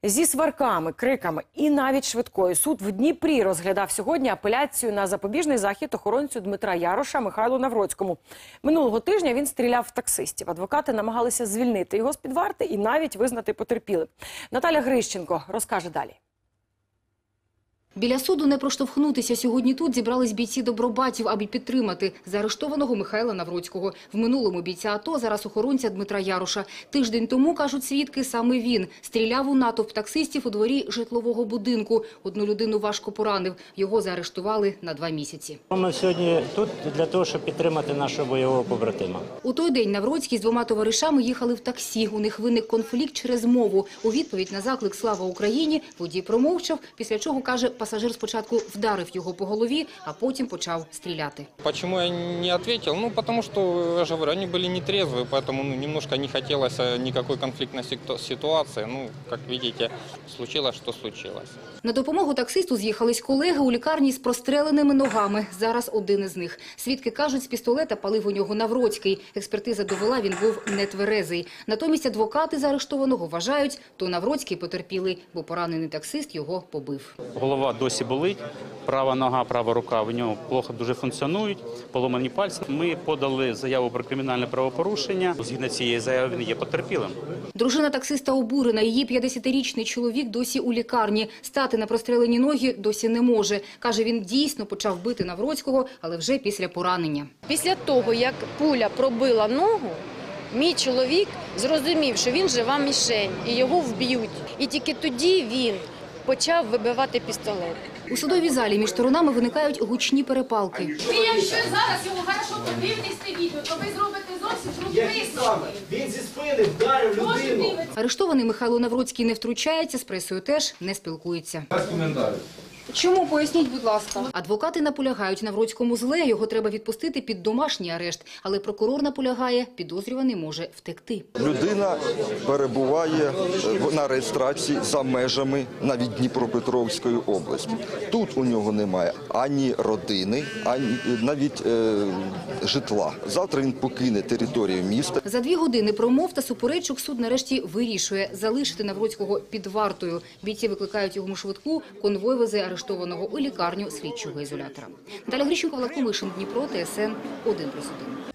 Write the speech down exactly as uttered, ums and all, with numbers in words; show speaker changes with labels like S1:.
S1: Зі сварками, криками і навіть швидкою суд в Дніпрі розглядав сьогодні апеляцію на запобіжний захід охоронцю Дмитра Яроша Михайлу Навроцькому. Минулого тижня він стріляв в таксистів. Адвокати намагалися звільнити його з-під варти і навіть визнати потерпілим. Наталя Грищенко розкаже далі.
S2: Біля суду не проштовхнутися. Сьогодні тут зібрались бійці добробатів, аби підтримати заарештованого Михайла Навроцького. В минулому бійця АТО, зараз охоронця Дмитра Яроша. Тиждень тому, кажуть свідки, саме він стріляв у натовп таксистів у дворі житлового будинку. Одну людину важко поранив. Його заарештували на два місяці.
S3: Ми сьогодні тут для того, щоб підтримати нашого бойового побратима.
S2: У той день Навроцький з двома товаришами їхали в таксі. У них виник конфлікт через мову. У відповідь на заклик «Слава Україні» водій промовчав, після чого, каже, пасажир спочатку вдарив його по голові, а потім почав стріляти.
S4: Почему я не ответил? Ну, потому что, я же говорю, они были нетрезвые, поэтому ну, немножко не хотелось никакой конфликтной ситуации. Ну, как видите, случилось, что случилось.
S2: На допомогу таксисту з'їхались колеги у лікарні з простреленими ногами. Зараз один із них. Свідки кажуть, з пістолета палив у нього Навроцький. Експертиза довела, він був нетверезий. Натомість адвокати заарештованого вважають, то Навроцький потерпілий, бо поранений таксист його побив.
S5: Голова досі болить, права нога, права рука в нього плохо дуже функціонують, поломані пальці. Ми подали заяву про кримінальне правопорушення. Згідно цієї заяви він є потерпілим.
S2: Дружина таксиста обурена. Її п'ятдесятирічний чоловік досі у лікарні. Стати на прострелені ноги досі не може. Каже, він дійсно почав бити Навроцького, але вже після поранення.
S6: Після того, як пуля пробила ногу, мій чоловік зрозумів, що він жива мішень і його вб'ють. І тільки тоді він почав вибивати пістолет.
S2: У судовій залі між сторонами виникають гучні перепалки.
S7: Ви якщо зараз його хорошо подивитесь це відео, то ви зробите зовсім другий висновок.
S8: Він зі спини вдарив людину.
S2: Арештований Михайло Навроцький не втручається, з пресою теж не спілкується.
S8: Без коментарів.
S2: Чому? Поясніть, будь ласка. Адвокати наполягають, Навроцькому зле, його треба відпустити під домашній арешт. Але прокурор наполягає, підозрюваний може втекти.
S9: Людина перебуває на реєстрації за межами навіть Дніпропетровської області. Тут у нього немає ані родини, ані навіть е, житла. Завтра він покине територію міста.
S2: За дві години промов та суперечок суд нарешті вирішує залишити Навроцького під вартою. Бійці викликають йому швидку, конвой везе арештованого у лікарню слідчого ізолятора. Наталя Грищенко, Влад Комишин, Дніпро, Т С Н один плюс один.